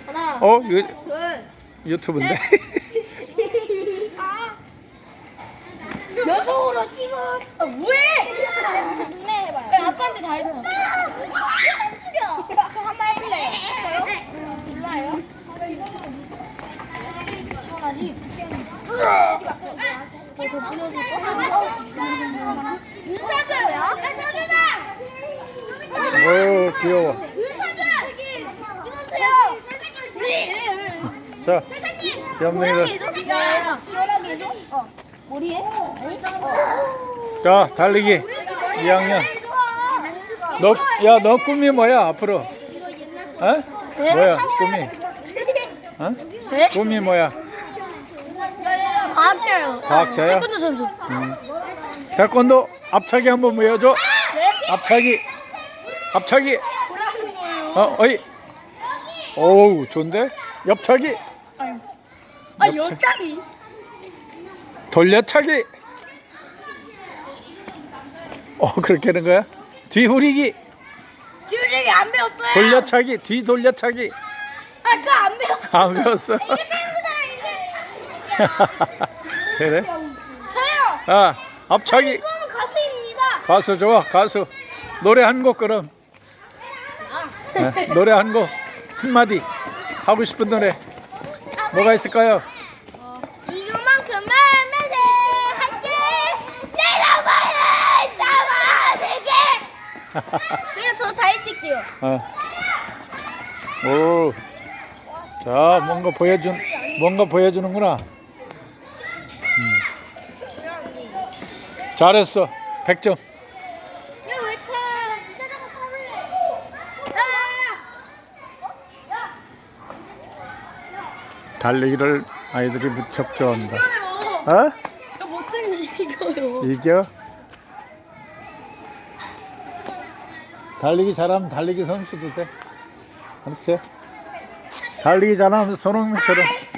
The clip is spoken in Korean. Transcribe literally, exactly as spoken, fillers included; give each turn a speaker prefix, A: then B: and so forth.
A: 하나,
B: 어? 이거
A: 둘,
B: 유튜브인데?
A: 연속으로 지금. 아, 왜? 저 눈에 해봐요. 야, 아빠한테 다리 좀. 뿌려. 저 한 번 해볼래요? 저요? 일로 와요. 시원하지? 어디 갔어? 더 뿌려줄 거? 윤사줘요?
B: 오, 귀여워.
A: 찍으세요.
B: 자, 염둥이들.
A: 야, 시원하게 해줘. 어. 머리에? 어.
B: 자, 달리기. 이 학년. 너, 야, 너 꿈이 뭐야, 앞으로? 어? 뭐야, 꿈이? 어?
A: 네?
B: 꿈이 뭐야?
A: 과학자요.
B: 과학자야?
A: 태권도 선수.
B: 음. 태권도 앞차기 한번 보여줘. 앞차기. 앞차기. 어, 어이. 오우, 좋은데? 옆차기.
A: 아,
B: 옆차-
A: 옆장이.
B: 돌려차기. 어, 그렇게 하는 거야? 뒤후리기.
A: 듀링이 안 배웠어요.
B: 돌려차기. 뒤 돌려차기.
A: 아, 그거 안 배웠어.
B: 안 배웠어? 그래?
A: 저요.
B: 아, 앞차기.
A: 이거는 가수입니다.
B: 가수 좋아, 가수. 노래 한 곡 그럼. 네, 노래 한 곡. 한마디. 하고 싶은 노래. 뭐가 있을까요?
A: 이거만큼은 매일 할게. 내가 말해. 나만 내게. 그냥 저 다이 찍게요.
B: 어. 오. 자, 뭔가 보여준, 뭔가 보여주는구나. 음. 잘했어. 백 점.
A: 야왜 타? 자전거 타볼래?
B: 달리기를 아이들이 무척 좋아한다. 어?
A: 못생긴 이거요.
B: 이겨? 달리기 잘하면 달리기 선수도 돼. 그렇지? 달리기 잘하면 손흥민처럼